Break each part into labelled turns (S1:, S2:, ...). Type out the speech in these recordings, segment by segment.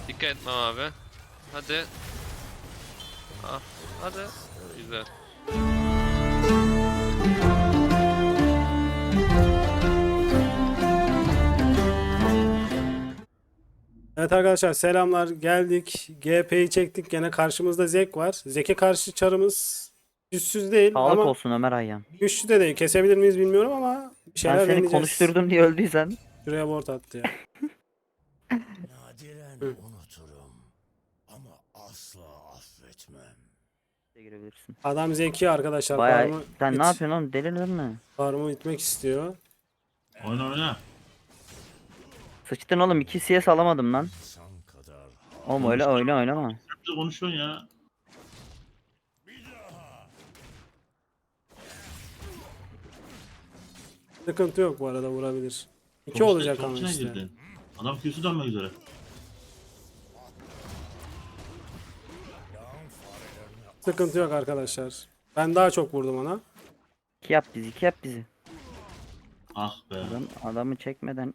S1: Dikkat etmem abi. Hadi. Ah, hadi. Güzel.
S2: Evet arkadaşlar selamlar geldik. GP'yi çektik. Gene karşımızda Zek var. Zek'e karşı çarımız güçsüz değil
S3: Sağlık
S2: ama
S3: olsun Ömer Ayyan.
S2: güçlü de değil. Kesebilir miyiz bilmiyorum ama bir
S3: Ben
S2: şeyler
S3: seni
S2: deneyeceğiz.
S3: konuşturdum diye öldüysen.
S2: Şuraya board attı ya.
S4: Nadiren
S2: Hı.
S4: unuturum ama asla affetmem.
S3: Girebilirsin.
S2: Adam zeki arkadaşlar.
S3: Baya sen ne yapıyorsun oğlum, delirdin mi?
S2: Farmı itmek istiyor.
S5: Oyna oyna.
S3: Sıçtın oğlum, 2 CS alamadım lan.
S4: İnsan kadar
S3: Oğlum öyle oynama.
S5: Hep de konuşuyorsun ya.
S2: Sıkıntı yok bu arada, vurabilir. İki
S5: Çok
S2: olacak
S5: çok
S2: ama
S5: içine
S2: işte.
S5: girdin. Adam Q'su dönmek üzere.
S2: Sıkıntı yok arkadaşlar. Ben daha çok vurdum ona.
S3: 2 yap bizi, 2 yap bizi.
S5: Ah be.
S3: Adamı çekmeden.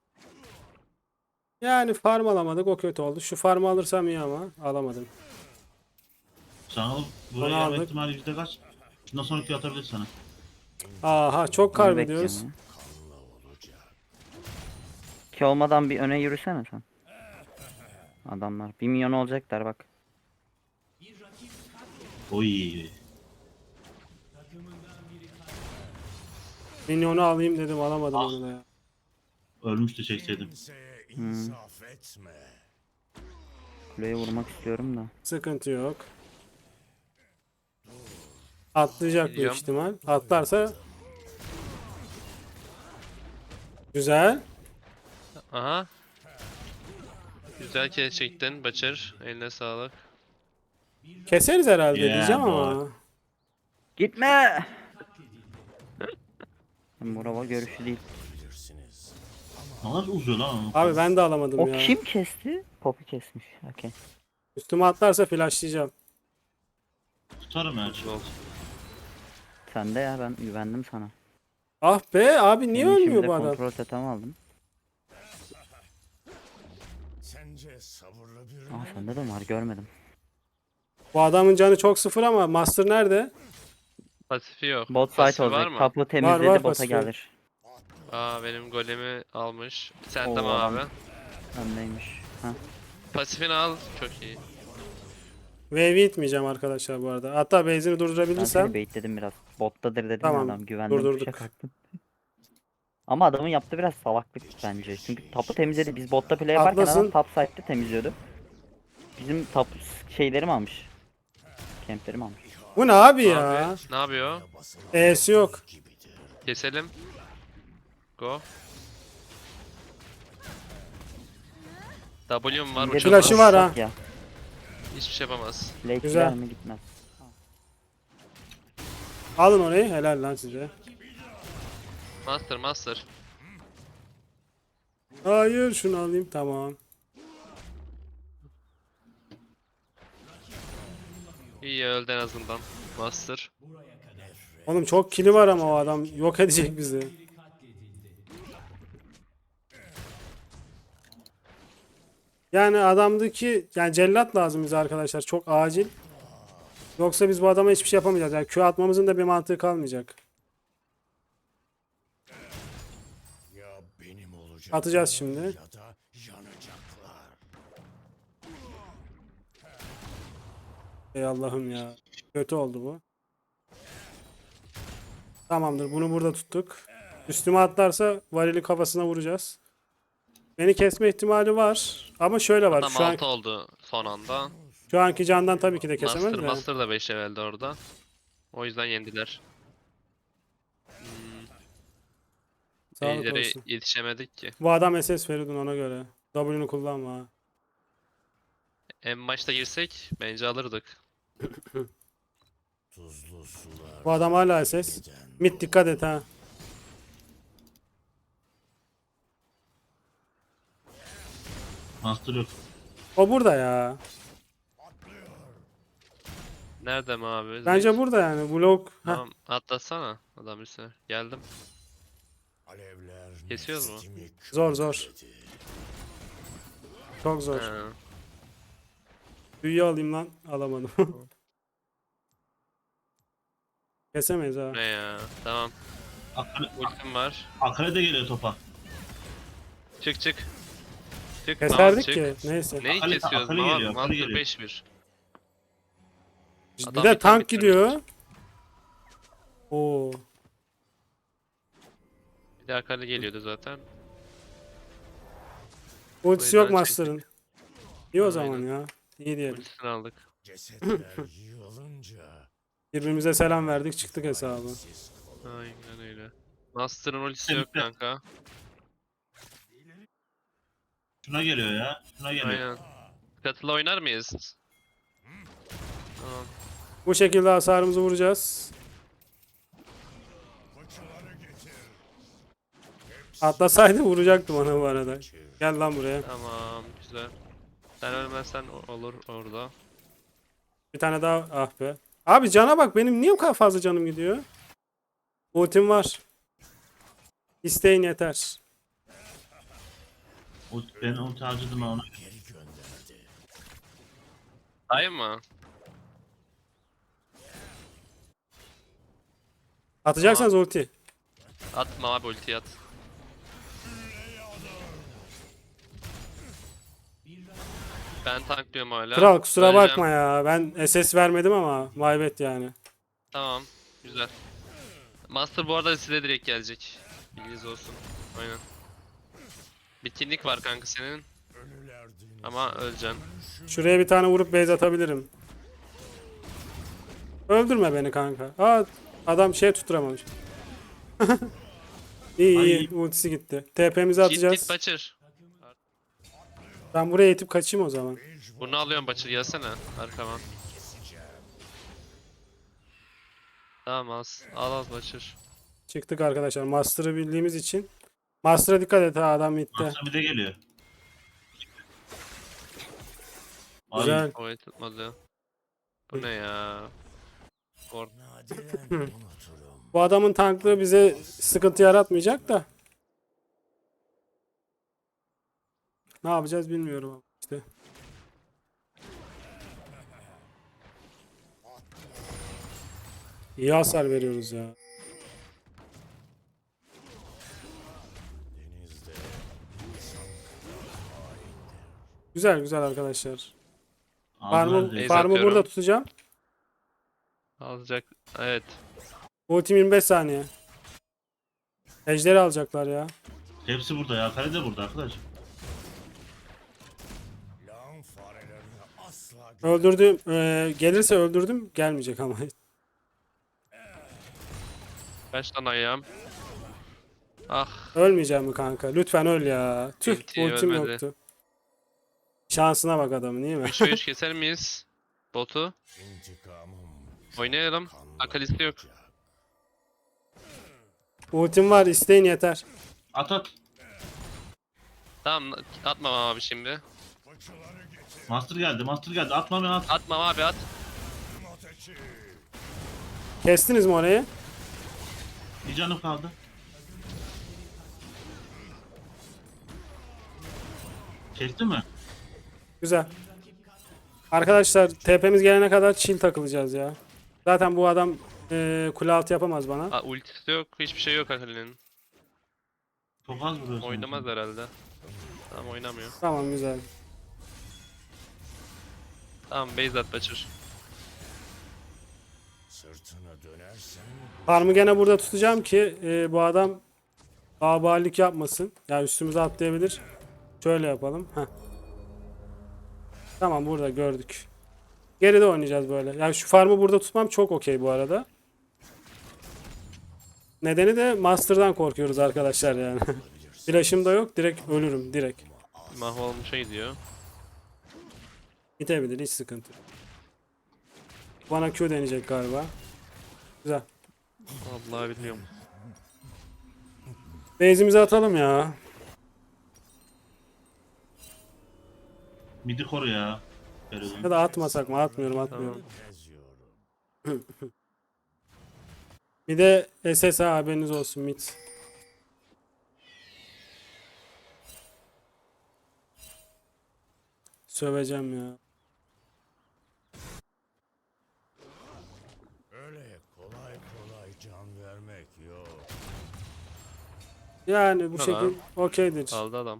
S2: Yani farm alamadık, o kötü oldu. Şu farmı alırsam iyi ama alamadım.
S5: Sen alıp
S2: Onu
S5: buraya gelme
S2: aldık.
S5: ihtimali yüzde kaç? Bundan sonra Q atabilir sana.
S2: Aha çok
S3: Onu
S2: kaybediyoruz.
S3: bekliyorum ya. 2 olmadan bir öne yürüsene sen. Adamlar 1 milyon olacaklar bak.
S5: Oy.
S2: Minyonu alayım dedim, alamadım
S5: Ah.
S2: onu da ya.
S5: Ölmüştü çekseydim.
S4: kimseye insaf etme.
S3: Kuleye vurmak istiyorum da.
S2: Sıkıntı yok. Atlayacak büyük
S1: Geliyorum.
S2: ihtimal. Atlarsa güzel.
S1: Aha. Güzel kez çektin Başar. Eline sağlık.
S2: Keseriz herhalde
S5: Yeah,
S2: diyeceğim
S5: boy.
S2: ama.
S3: Gitme! Morava görüşü değil.
S4: Bilirsiniz.
S5: Ne kadar uzuyor lan.
S2: Abi ben de alamadım
S3: O
S2: ya.
S3: kim kesti? Poppy kesmiş. Okey.
S2: Üstüme atlarsa flashlayacağım.
S5: Tutarım her şey.
S1: Olsun.
S3: Sen de ya, ben güvendim sana.
S2: Ah be abi, niye
S3: Senin
S2: ölmüyor
S3: şimdi
S2: bu adam?
S3: kontrol totem aldım.
S4: Sence sabırlı bir
S3: Aa sende de var, görmedim.
S2: Bu adamın canı çok sıfır ama Master nerede?
S1: Pasifi yok.
S3: Bot site
S1: Pasifi var
S3: olacak.
S1: mı?
S3: Tapu temizledi,
S2: var
S3: bota
S2: pasifi.
S3: gelir.
S1: Aa, benim golemi almış. Sen
S3: Oo,
S1: tamam
S3: adam-
S1: abi.
S3: Öndeymiş. Ha.
S1: Pasifini al. Çok iyi.
S2: Wave'i itmeyeceğim arkadaşlar bu arada. Hatta base'ini
S3: Ben
S2: durdurabilirsem.
S3: seni baitledim biraz. Bottadır dedim
S2: Tamam,
S3: ya, adam güvendim.
S2: durdurduk.
S3: Kuşa kalktım. Ama adamın yaptığı biraz salaklık bence. Çünkü tapu temizledi. Biz botta play yaparken
S2: Haklısın.
S3: adam top side'de temizliyordu. Bizim top şeylerimi almış. Camplerimi almış.
S2: Bu ne abi ya?
S1: Abi, ne yapıyor?
S2: E'si yok.
S1: Keselim. Go. W'm var.
S3: Bir de
S1: Uçamaz.
S2: Flash'ı var ha.
S3: Ya.
S1: Hiçbir şey yapamaz.
S3: Play
S2: Güzel.
S3: gider mi gitmez.
S2: Alın orayı, helal lan size.
S1: Master master.
S2: Hayır, şunu alayım, tamam.
S1: İyi öldü en azından. Master.
S2: Oğlum çok kili var ama o adam yok edecek bizi. Yani adamdaki cellat lazım bize arkadaşlar, çok acil. Yoksa biz bu adama hiçbir şey yapamayacağız. Yani Q atmamızın da bir mantığı kalmayacak.
S4: Ya benim olacak
S2: Atacağız şimdi.
S4: ya da yanacaklar.
S2: Ey Allah'ım ya. Kötü oldu bu. Tamamdır, bunu burada tuttuk. Üstüme atlarsa varili kafasına vuracağız. Beni kesme ihtimali var. Ama şöyle var.
S1: Tam
S2: Şu,
S1: 6 oldu son anda.
S2: şu anki candan tabii ki de kesemez
S1: Master
S2: de.
S1: Master da 5 level'de orada. O yüzden yendiler.
S2: Sağlık
S1: İyileri
S2: olsun.
S1: yetişemedik ki.
S2: Bu adam SS Feridun, ona göre. W'nu kullanma ha.
S1: En maçta girsek bence alırdık.
S4: Tuzlu sular
S2: Bu adam hala SS.
S4: giden
S2: Mid dikkat et ha.
S5: Master yok.
S2: O burada ya.
S1: Nerede mi abi?
S2: Bence
S1: Zek?
S2: burada yani. Blok. Heh.
S1: Tamam atlasana adam üstüne. Geldim.
S4: alevler
S1: Kesiyoruz mu?
S4: neslimi
S2: Zor zor.
S4: körükledi.
S2: Çok zor.
S1: Ha.
S2: Büyüyü alayım lan. Alamadım. Kesemeyiz ha.
S1: Ne ya? Tamam. Ultim var.
S5: Akale de geliyor topa.
S1: Çık çık. Çık.
S2: Keserdik
S1: çık.
S2: ki. Neyse.
S1: Neyi
S5: Akali-
S1: kesiyoruz?
S5: Akali
S1: Master
S5: geliyor, Akali geliyor.
S1: 5-1.
S2: Bir
S1: Adam
S2: de
S1: item
S2: tank
S1: bitirmiş.
S2: gidiyor. Oo.
S1: Bir de Akali geliyordu zaten.
S2: Ultisi yok
S1: yüzden
S2: Master'ın. İyi o
S1: Aynen.
S2: zaman ya. İyi diyelim.
S1: Ultisini aldık.
S4: Cesetler yığılınca
S2: Birbirimize selam verdik çıktık hesabı.
S4: siz kalın.
S1: Aynen öyle. Master'ın ultisi
S5: Bitti,
S1: yok
S5: bitti.
S1: kanka.
S5: Şuna geliyor ya. Şuna geliyor.
S1: Aynen. Katıla oynar mıyız? Tamam.
S2: Bu şekilde hasarımızı vuracağız.
S4: Fıçıları getir.
S2: Atlasaydı vuracaktı bana bu arada. Gel lan buraya.
S1: Tamam. Güzel. Sen ölmezsen olur orada.
S2: Bir tane daha ah be. Abi cana bak benim niye bu kadar fazla canım gidiyor? Ultim var. İsteyin yeter.
S5: Ben ulti harcadım ona.
S4: Geri gönderdi.
S1: Hayır mı?
S2: Atacaksanız ulti.
S1: Atma abi ultiyi at. Ben tanklıyorum hala.
S2: Kral kusura
S1: Öleceğim.
S2: bakma ya. Ben SS vermedim ama maybet yani.
S1: Tamam. Güzel. Master bu arada size direkt gelecek. Bilginiz olsun. Aynen. Bitkinlik var kanka senin.
S4: Ölüler denizi.
S1: Ama öleceksin.
S2: Şuraya bir tane vurup base atabilirim. Öldürme beni kanka. Aa adam şey tutturamamış. İyi iyi
S5: Ay.
S2: ultisi gitti. TP'mizi
S1: Git
S2: atacağız.
S1: git Butcher.
S2: Ben buraya itip kaçayım o zaman.
S1: Bunu alıyorum Butcher gelsene arkama. Tamam al Butcher.
S2: Çıktık arkadaşlar. Master'ı bildiğimiz için. Master'a dikkat et ha adam gitti.
S5: Master bir de geliyor. Ay,
S2: Güzel.
S1: O tutmadı. Bu ne ya?
S4: Nadiren unuturum.
S2: Bu adamın tanklığı bize sıkıntı yaratmayacak da. Ne yapacağız bilmiyorum ama işte. İyi hasar veriyoruz ya.
S4: Denizde
S2: Güzel güzel arkadaşlar.
S5: aldılar
S2: Farmı,
S5: direkt.
S1: Base
S2: farmı burada
S1: atıyorum.
S2: tutacağım.
S1: Alacak. Evet.
S2: Ultim 25 saniye. Ejderi alacaklar ya.
S5: Hepsi burada ya. Kale de burada arkadaş.
S4: lağım farelerini asla
S2: Öldürdüm. Gelirse öldürdüm. Gelmeyecek ama.
S1: Kaç tane ayağım? Ah.
S2: Ölmeyeceğim mi kanka? Lütfen öl ya. Tüh
S1: Ulti
S2: ultim
S1: ölmedi.
S2: yoktu. Şansına bak adamın değil mi?
S1: 3'e 3 keser miyiz? Botu.
S4: intikamım
S1: Oynayalım. Akalisti yok.
S2: Ultim var isteyin yeter.
S5: At at.
S1: Tamam atmam abi şimdi.
S4: fıçıları getir.
S5: Master geldi. Master geldi. Atma beni at.
S1: Atmam abi at.
S4: Ateşi.
S2: Kestiniz mi orayı?
S5: Bir canım kaldı. Kesti mi?
S2: Güzel. Arkadaşlar TP'miz gelene kadar chill takılacağız ya. Zaten bu adam kule altı yapamaz bana.
S1: Aa, ultisi yok. Hiçbir şey yok Akali'nin.
S5: Çok az vuruyorsun.
S1: Oynamaz herhalde. Tamam oynamıyor.
S2: Tamam güzel.
S1: Tamam base at Butcher.
S4: Sırtına dönersen
S2: Farmı gene burada tutacağım ki bu adam abalik yapmasın. Ya üstümüze atlayabilir. Şöyle yapalım. Heh. Tamam burada gördük. Geride oynayacağız böyle. Yani şu farmı burada tutmam çok okey bu arada. Nedeni de Master'dan korkuyoruz arkadaşlar yani. Flash'ım da yok. Direkt ölürüm. Direkt.
S1: Mahvolmuşa gidiyor.
S2: Bitebilir. Hiç sıkıntı yok. Bana Q deneyecek galiba. Güzel.
S1: Vallahi biliyorum.
S2: Base'imizi atalım ya.
S5: Midi koru ya. Feridun.
S2: Ya da atmasak mı? Atmıyorum atmıyorum.
S4: eziyorum.
S2: Bir de SSA haberiniz olsun mid. Söveceğim ya. Yani bu
S1: Tamam.
S2: şekil okeydir.
S1: Aldı adam.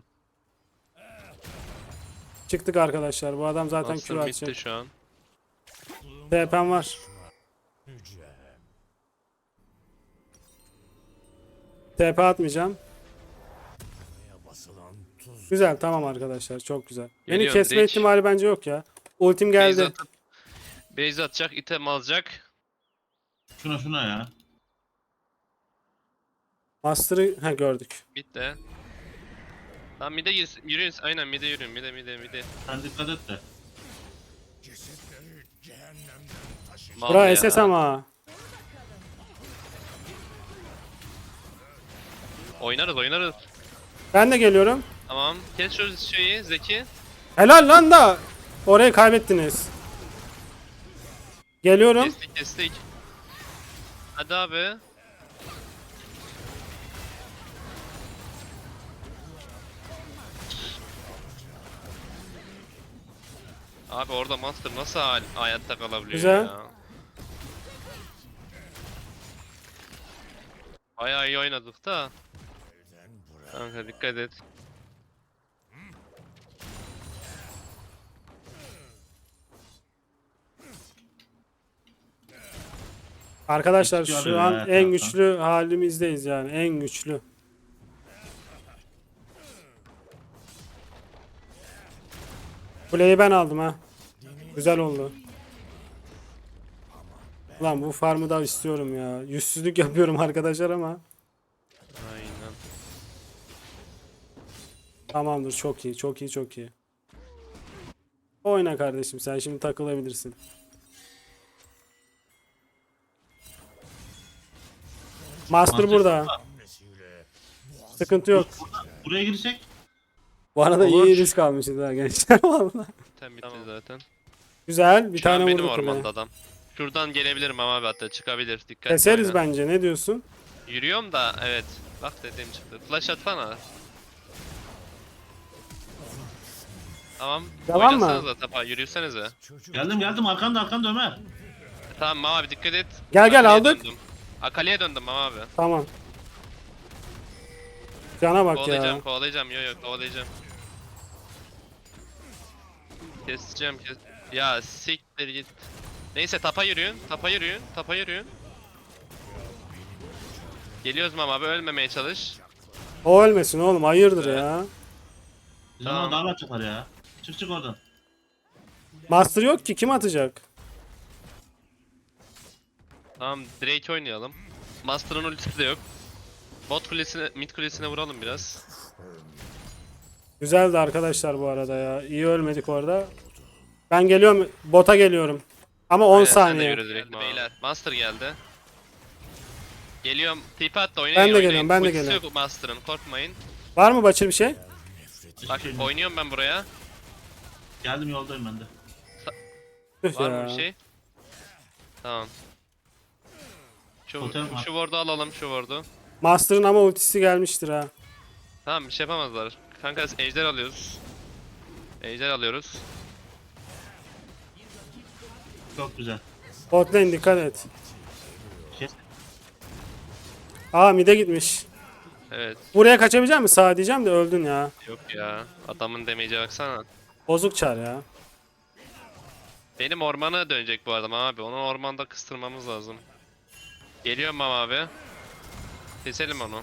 S2: Çıktık arkadaşlar. Bu adam zaten
S1: Master
S2: Q
S1: bitti
S2: atacak.
S1: şu an.
S2: TP'm var.
S4: Yüce.
S2: TP atmayacağım.
S4: Neye basılan tuz.
S2: Güzel, tamam arkadaşlar, çok güzel. Beni
S1: Geliyorum,
S2: kesme
S1: direkt.
S2: ihtimali bence yok ya. Ultim
S1: Base
S2: geldi.
S1: atıp base atacak, item alacak.
S5: Şuna ya.
S2: Master'ı gördük.
S1: Bitti. Tamam mid'e yürüyün. Aynen mid'e yürüyün. Mid'e.
S5: Sen dikkat et de.
S4: Cesetleri cehennemden taşıyacak.
S1: Mal
S2: Bura
S1: ya.
S2: SS ama.
S1: Oynarız.
S2: Ben de geliyorum.
S1: Tamam. Kes şu şeyi Zeki.
S2: Helal lan da. Orayı kaybettiniz. Geliyorum.
S1: Kestik. Hadi abi. Abi orada Master nasıl hayatta kalabiliyor
S2: Güzel.
S1: ya? Bayağı iyi oynadık da. Kanka dikkat et.
S2: Arkadaşlar
S5: Eski
S2: şu
S5: arıyor
S2: an
S5: ya
S2: en
S5: etrafta.
S2: güçlü halimizdeyiz yani. En güçlü. Kuleyi ben aldım ha. Güzel oldu. Lan bu farmı da istiyorum ya. Yüzsüzlük yapıyorum arkadaşlar ama.
S1: Aynen.
S2: Tamamdır, çok iyi, çok iyi, çok iyi. Oyna kardeşim, sen şimdi takılabilirsin. Master burada.
S4: Hamlesiyle
S2: Sıkıntı yok.
S5: Buraya girsek.
S2: Bu arada
S1: Olur.
S2: iyi risk almışız ha gençler valla.
S1: Sen bitti zaten.
S2: Güzel, bir
S1: Şu an
S2: tane
S1: benim
S2: vurdu
S1: ormanda
S2: kuleye.
S1: adam. Şuradan gelebilirim ama abi hatta çıkabilir. Dikkat
S2: Keseriz bence, ne diyorsun?
S1: Yürüyorum da evet. Bak dediğim çıktı. Flash atsana. Tamam.
S2: Devam mı?
S1: Oynasanıza tapa yürüsenize.
S5: Geldim arkanda Ömer.
S1: Tamam abi dikkat et.
S2: Gel,
S1: Akali'ye
S2: aldık.
S1: Döndüm. Akali'ye döndüm abi.
S2: Tamam. Cana bak ya.
S1: Kovalayacağım. Yo kovalayacağım. Keseceğim. Ya siktir git. Neyse tapa yürüyün. Geliyoruz Mama abi ölmemeye çalış.
S2: O ölmesin oğlum, hayırdır
S1: Evet.
S2: ya.
S5: Biz
S1: Tamam.
S5: ona davet yapar ya. Çık oradan.
S2: Master yok ki, kim atacak?
S1: Tamam Drake oynayalım. Master'ın ultisi de yok. Bot kulesine, mid kulesine vuralım biraz.
S2: Güzeldi arkadaşlar bu arada ya. İyi ölmedik orada. Ben geliyorum, bota geliyorum. Ama 10
S1: Aynen, sen de
S2: saniye.
S1: yürü direkt beyler. Master geldi. Geliyorum. TP at da oynayın.
S2: Ben de
S1: oynayın.
S2: geliyorum, ben de
S1: Ultisi
S2: geliyorum.
S1: yok Master'ın korkmayın.
S2: Var mı Başır bir şey?
S1: Bak oynuyorum ben buraya.
S5: Geldim yoldayım ben de.
S2: Tüh
S1: Var
S2: ya.
S1: mı bir şey? Tamam. Şu
S5: Totem var.
S1: ward'u alalım şu ward'u.
S2: Master'ın ama ultisi gelmiştir ha.
S1: Tamam bir şey yapamazlar. Kanka ejder alıyoruz.
S5: Çok güzel.
S2: Bot lane dikkat et.
S5: Kes.
S2: Aa mid'e gitmiş.
S1: Evet.
S2: Buraya kaçabilecek misin? Sağa diyeceğim de öldün ya.
S1: Yok ya. Adamın damage'e baksana.
S2: Bozuk çar ya.
S1: Benim ormana dönecek bu adam abi. Onu ormanda kıstırmamız lazım. Geliyorum abi. Keselim onu.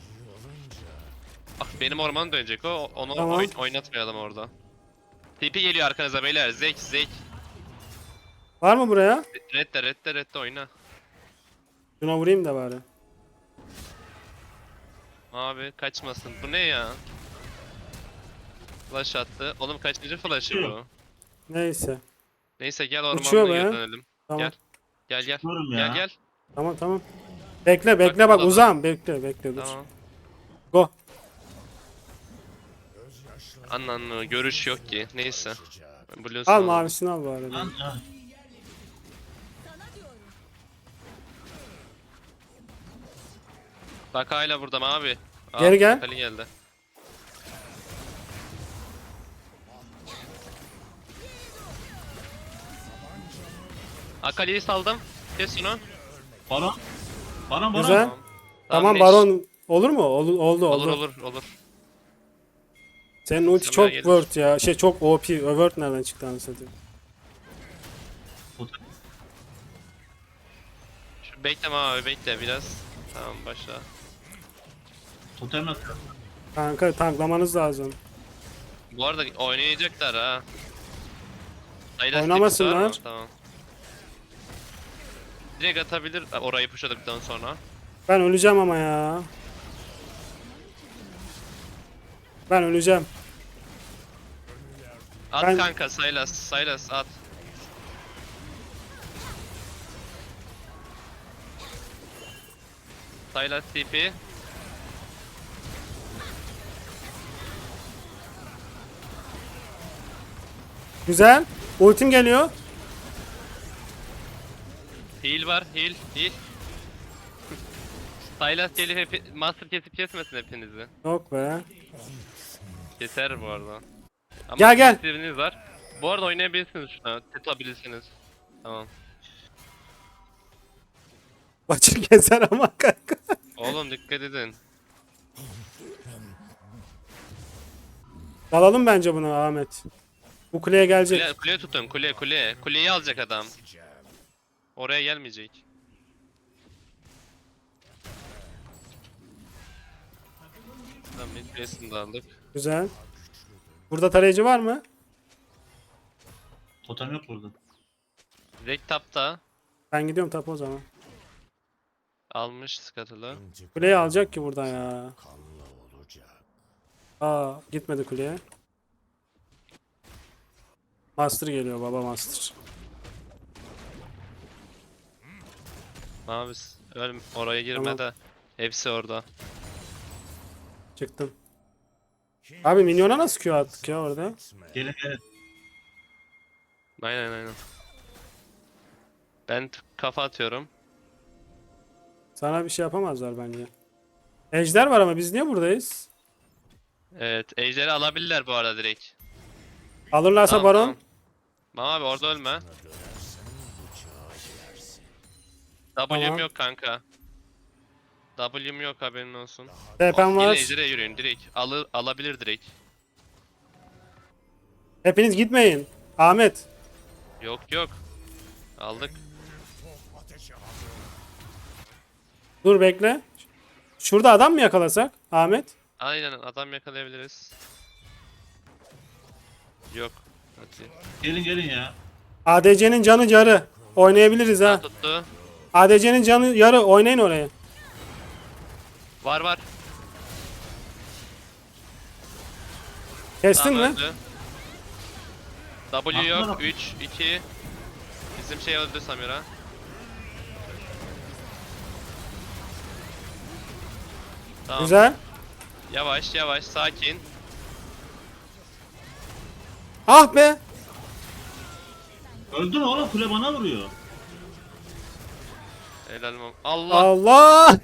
S1: Bak benim ormana dönecek o. Onu
S2: Tamam.
S1: oynatmayalım orada. TP geliyor arkanıza beyler. Zek.
S2: Var mı buraya?
S1: Redde oyna.
S2: Şuna vurayım da bari.
S1: Abi kaçmasın. Bu ne ya? Flash attı. Oğlum kaçıncı flash'ı bu?
S2: Neyse.
S1: Neyse gel
S2: Uçuyor
S1: ormana
S2: be.
S1: geri dönelim.
S2: Tamam.
S1: Gel.
S5: Çıkıyorum ya.
S1: Gel.
S2: Tamam. Bekle bak
S1: burada.
S2: uzağım. Bekle dur.
S1: Tamam.
S2: Go.
S1: Ananı görüş yok ki. Neyse. Blues'unu
S2: Al
S1: alalım.
S2: mavisini al bari.
S5: Lan, ah,
S1: Bak hala burada mı abi? Aa,
S2: Geri gel.
S1: Ali geldi. Akali'yi saldım. Kes şunu.
S5: Baron.
S2: Güzel.
S1: Tamam.
S2: Tamam
S1: Neş.
S2: baron Olur mu? Oldu.
S1: Olur.
S2: Senin ulti
S1: Sana
S2: çok
S1: gelir.
S2: word ya. Çok OP. Word nereden çıktı anasını satayım.
S1: Şu bekleme abi, bekle biraz. Tamam, başla.
S5: Totem atıyor.
S2: Kanka tanklamanız lazım.
S1: Bu arada oynayacaklar ha. Saylas
S2: Oynamasınlar.
S1: tipsi var mı? Tamam. Direkt atabilir orayı pushladıktan sonra.
S2: Ben öleceğim ama ya. Ben öleceğim.
S1: At
S2: Ben-
S1: kanka, Saylas at. Saylas TP.
S2: Güzel. Ultim geliyor.
S1: Heal var, heal. Saylas gelip master kesip kesmesin hepinizi.
S2: Yok be.
S1: Keser bu arada. Ama
S2: Gel.
S1: kesiriniz var. Bu arada oynayabilirsiniz şuna, tutabilirsiniz. Tamam.
S2: Başır keser ama kanka.
S1: Oğlum dikkat edin.
S2: Dalalım bence bunu Ahmet. Bu kuleye gelecek.
S1: Kule tutun, kule. Kuleyi alacak adam. Oraya gelmeyecek. Tamam, mid place'ini de aldık.
S2: Güzel. Burada tarayıcı var mı?
S5: Totem yok burada.
S1: Direkt tapta
S2: Ben gidiyorum tapu o zaman.
S1: almış Scuttle'ı.
S2: Kuleyi alacak ki buradan ya.
S4: Kanla olacak.
S2: Aa gitmedi kuleye. Master geliyor baba Master.
S1: Abi oraya girme
S2: Tamam.
S1: de. Hepsi orada.
S2: Çıktım. Abi minyona nasıl Q attık ya orada?
S5: Gelin.
S1: Aynen. Ben kafa atıyorum.
S2: Sana bir şey yapamazlar bence. Ejder var ama biz niye buradayız?
S1: Evet, ejderi alabilirler bu arada direkt.
S2: Alırlarsa
S1: Tamam,
S2: baron.
S1: tamam. Tamam abi, orada ölme. W'm
S2: Tamam.
S1: yok kanka. W'm yok, haberin olsun.
S2: TP'm
S1: Yine
S2: var.
S1: ejdere yürüyün direkt. Alabilir direkt.
S2: Hepiniz gitmeyin. Ahmet.
S1: Yok. Aldık.
S2: Dur bekle. Şurada adam mı yakalasak? Ahmet.
S1: Aynen, adam yakalayabiliriz. Yok. Hadi.
S5: Gelin ya.
S2: ADC'nin canı yarı. Oynayabiliriz ha.
S1: Tuttu.
S2: ADC'nin canı yarı. Oynayın oraya.
S1: Var.
S2: Kestin
S1: Tamam,
S2: mi?
S1: öldü. W
S5: Aklına
S1: yok.
S5: bak.
S1: 3, 2. Bizim şey öldü Samira. Tamam.
S2: Güzel.
S1: Yavaş, sakin.
S2: Ah be.
S5: Öldün oğlum, kule bana vuruyor.
S1: Helal olsun. Allah.
S2: Allah.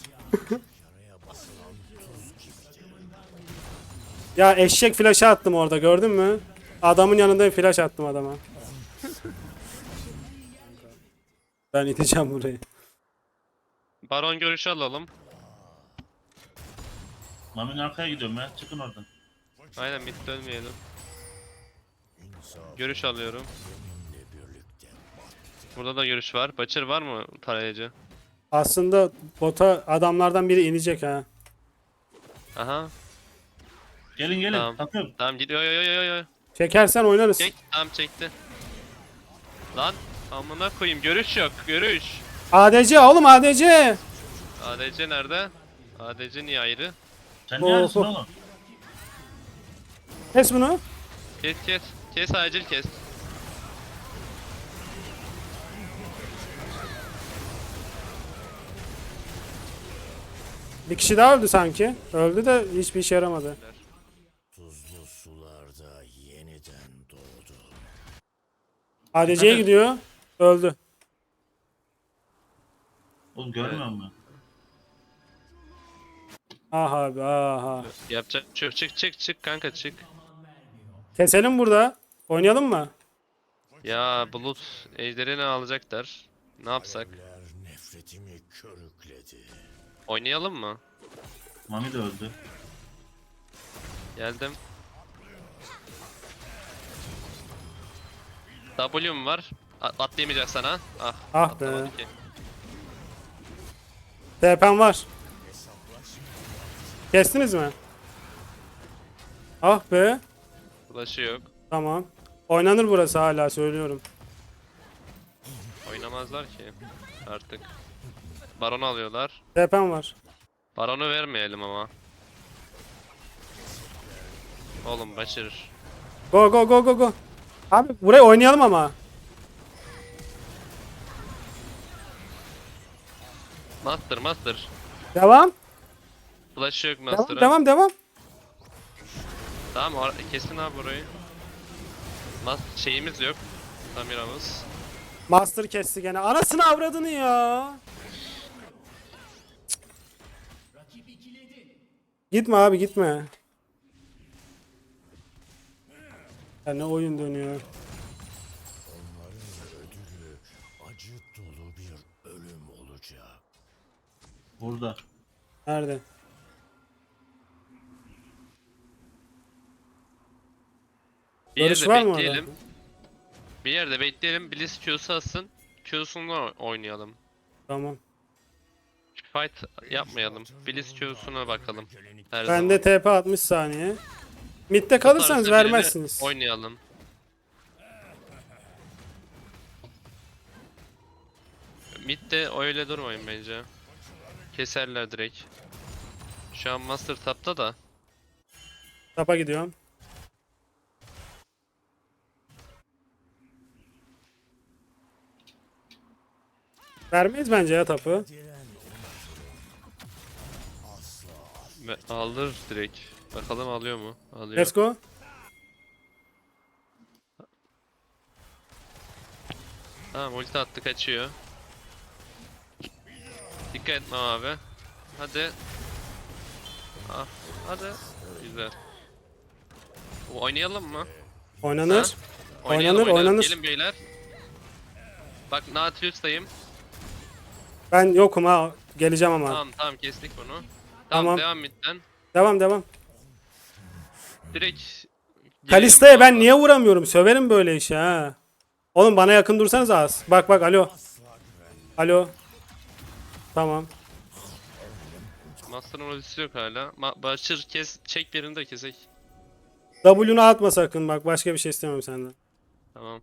S2: Ya eşek flash'ı attım orada gördün mü? Adamın yanında bir flash attım adama. Ben iteceğim burayı.
S1: Baron görüşü alalım.
S5: Mami'nin arkaya gidiyorum ya. Çıkın oradan.
S1: Aynen, mid dönmeyelim. Görüş alıyorum. Burada da görüş var. Butcher var mı tarayıcı?
S2: Aslında bota adamlardan biri inecek ha.
S1: Aha.
S5: Gelin.
S1: Tamam.
S5: Takım.
S1: Tamam, gidiyor. Yo.
S2: Çekersen oynarız.
S1: Çek. Tamam, çekti. Lan amına koyayım, görüş yok. Görüş.
S2: ADC oğlum ADC.
S1: ADC nerede? ADC niye ayrı?
S5: Sen ne arasın
S2: Oho.
S5: oğlum?
S2: Kes bunu.
S1: Kes. Kes, acil kes.
S2: Bir kişi daha öldü sanki. Öldü de hiçbir işe yaramadı.
S4: Tuzlu sularda yeniden doğdu.
S2: ADC'ye
S5: Hadi.
S2: gidiyor. Öldü.
S5: Oğlum görmüyor musun?
S2: Aha abi aha.
S1: Yapacak. Çık kanka, çık.
S2: Keselim burada. Oynayalım mı?
S1: Ya Bulut ejderi ne alacaklar? Ne yapsak?
S4: Alev nefretimi körükledi.
S1: Oynayalım mı?
S5: Mami de öldü.
S1: Geldim. W'm var. Atlayamayacak sana. Ah.
S2: Ah be.
S1: Atlamadı ki.
S2: TP'm var. Kestiniz mi? Ah be.
S1: Flash'ı yok.
S2: Tamam. Oynanır burası hala söylüyorum.
S1: Oynamazlar ki. Artık. Baron'u alıyorlar.
S2: TP'm var.
S1: Baron'u vermeyelim ama. Oğlum başarır.
S2: Go go go go go. Abi burayı oynayalım ama.
S1: Master.
S2: Devam.
S1: Flash'ı yok
S2: Devam
S1: Master'ın.
S2: devam devam.
S1: Tamam kesin abi burayı. Şeyimiz yok. Tamira'mız.
S2: Master kesti gene. Anasını avradını ya. Cık. Gitme abi gitme. Ya ne oyun dönüyor.
S4: Onların ödülü acı dolu bir ölüm olacak.
S5: Burada.
S2: Nerede?
S1: Bir
S2: Görüş
S1: yerde
S2: var mı orada?
S1: bekleyelim. Bir yerde bekleyelim. Blitz Q'su atsın. Q'sunu oynayalım.
S2: Tamam.
S1: Fight yapmayalım. Blitz Q'suna bakalım. Her
S2: Ben
S1: zaman.
S2: de TP 60 saniye. Mid'de kalırsanız
S1: Tutarsa birini
S2: vermezsiniz.
S1: Oynayalım. Mid'de öyle durmayın bence. Keserler direkt. Şu an Master Tap'ta da.
S2: Tapa gidiyorum. Vermeyiz bence ya tapı.
S1: Alır direkt. Bakalım alıyor mu? Alıyor.
S2: Let's go.
S1: Tamam ulti attı kaçıyor. Dikkat etme abi. Hadi. Ah, hadi. Güzel. Oynayalım mı?
S2: Oynanır.
S1: Ha? Oynayalım.
S2: Oynanır.
S1: Gelin beyler. Bak Nautilus'tayım.
S2: Ben yokum ha. Geleceğim ama.
S1: Tamam kestik bunu. Tamam,
S2: Tamam.
S1: devam midden.
S2: Devam.
S1: Direkt
S2: Kalista'ya
S1: girelim
S2: ben
S1: valla.
S2: niye vuramıyorum? Söverim böyle işi ha. Oğlum bana yakın dursanız az. Bak alo. Alo. Tamam.
S1: Master'ın ultisi yok hala. Başır çek birini de kesek.
S2: W'nu atma sakın bak başka bir şey istemem senden.
S1: Tamam.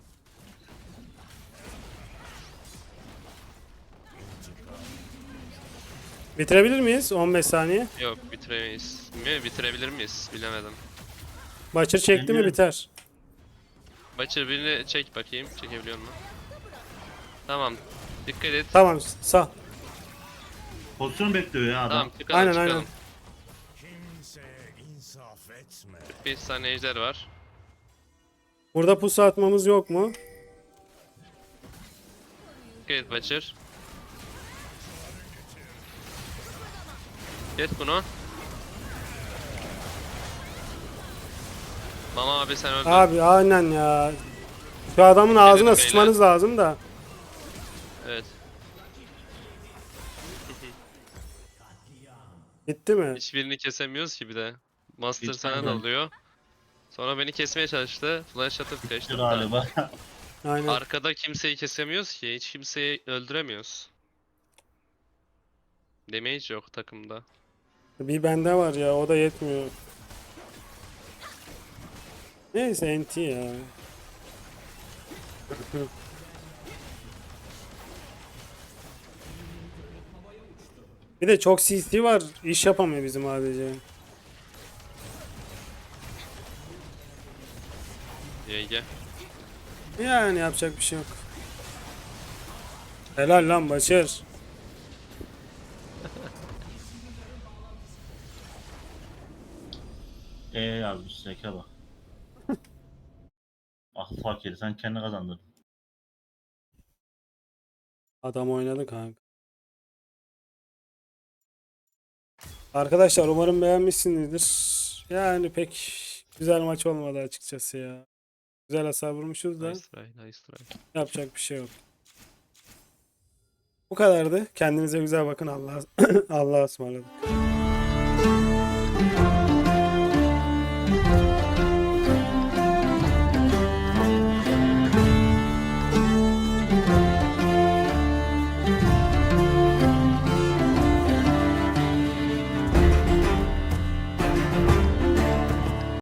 S2: Bitirebilir miyiz? 15 saniye.
S1: Yok bitiremeyiz. Mi? Bitirebilir miyiz? Bilemedim.
S2: Başır çekti mi
S5: Bilmiyorum.
S2: biter.
S1: Başır birini çek bakayım. Çekebiliyor musun? Tamam. Dikkat et.
S2: Tamam sağ.
S5: Pozisyon bekliyor ya adam.
S1: Tamam çıkalım
S2: Aynen,
S1: çıkalım.
S2: aynen.
S4: Kimseye insaf etme.
S1: 5 saniye ejder var.
S2: Burada pusu atmamız yok mu?
S1: Dikkat et Başır. Kes bunu. Mama abi sen öldün.
S2: Abi aynen ya. Şu adamın ağzına
S1: beyler.
S2: sıçmanız lazım da.
S1: Evet.
S2: Bitti mi?
S1: Hiçbirini kesemiyoruz ki bir de. Master
S5: Hiç
S1: sana
S5: aynen.
S1: dalıyor. Sonra beni kesmeye çalıştı. Flash atıp kaçtım da.
S5: Galiba.
S2: Aynen.
S1: Arkada kimseyi kesemiyoruz ki. Hiç kimseyi öldüremiyoruz. Damage yok takımda.
S2: Bir bende var ya o da yetmiyor. Neyse NT ya. Bir de çok CC var. İş yapamıyor bizim ADC.
S1: YG.
S2: Yani yapacak bir şey yok. Helal lan Başar.
S5: Yazmış Zeka bak. Ah fakir sen kendi kazandın.
S2: Adam oynadı kanka. Arkadaşlar umarım beğenmişsinizdir. Yani pek güzel maç olmadı açıkçası ya. Güzel hasar vurmuşuz da
S1: Nice try, nice try.
S2: yapacak bir şey yok. Bu kadardı. Kendinize güzel bakın. Allah'a Allah'a ısmarladık.